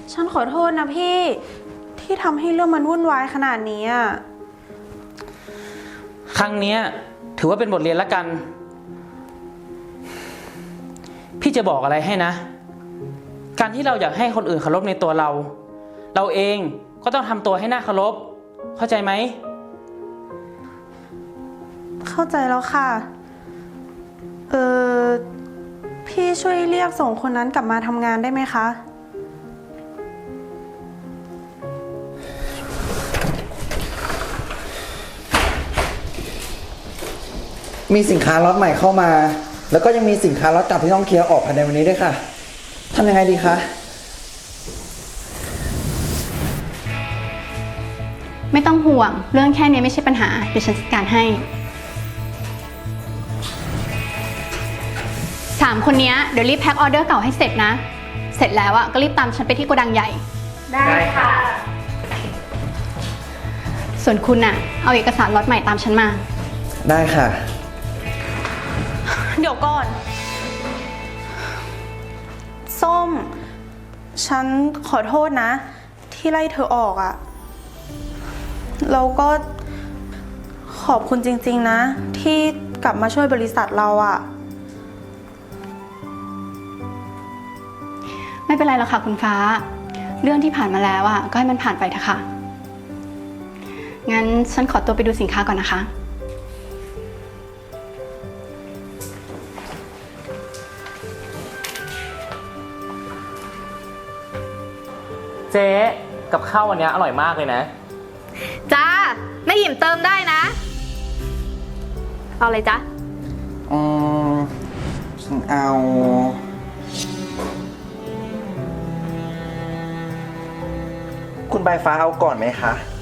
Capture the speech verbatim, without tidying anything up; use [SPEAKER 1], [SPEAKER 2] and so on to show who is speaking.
[SPEAKER 1] ฉันขอโทษนะพี่ที่ทำให้เรื่องมันวุ่นวายขนาดนี้อ่ะ
[SPEAKER 2] ครั้งนี้ถือว่าเป็นบทเรียนละกัน พี่จะบอกอะไรให้นะ การที่เราอยากให้คนอื่นเคารพในตัวเรา เราเองก็ต้องทำตัวให้น่าเคารพเข้าใจไหม
[SPEAKER 1] เข้าใจแล้วค่ะเออพี่ช่วยเรียกส่งคนนั้นกลับมาทำงานได้ไหมคะ
[SPEAKER 3] มีสินค้าล็อตใหม่เข้ามาแล้วก็ยังมีสินค้าล็อตเก่าที่ต้องเคลียร์ออกภายในวันนี้ด้วยค่ะทำยังไงดีคะ
[SPEAKER 4] ไม่ต้องห่วงเรื่องแค่นี้ไม่ใช่ปัญหาเดี๋ยวฉันจัดการให้สามคนนี้เดี๋ยวรีบแพ็คออเดอร์เก่าให้เสร็จนะเสร็จแล้วอะก็รีบตามฉันไปที่โกดังใหญ่
[SPEAKER 1] ได้ค่ะ
[SPEAKER 4] ส่วนคุณอะเอาเอกสารล็อตใหม่ตามฉันมา
[SPEAKER 3] ได้ค่ะ
[SPEAKER 1] เดี๋ยวก่อนส้มฉันขอโทษนะที่ไล่เธอออกอะเราก็ขอบคุณจริงๆนะที่กลับมาช่วยบริษัทเราอะ
[SPEAKER 4] ไม่เป็นไรหรอกค่ะคุณฟ้าเรื่องที่ผ่านมาแล้วอะก็ให้มันผ่านไปเถอะค่ะงั้นฉันขอตัวไปดูสินค้าก่อนนะคะ
[SPEAKER 2] เจ๊กับข้าววันนี้อร่อยมากเลยนะ
[SPEAKER 5] จ้าไม่หิมเติมได้นะเอาเลยจ้ะ
[SPEAKER 3] อืมฉันเอาคุณใบฟ้าเอาก่อนไหมคะ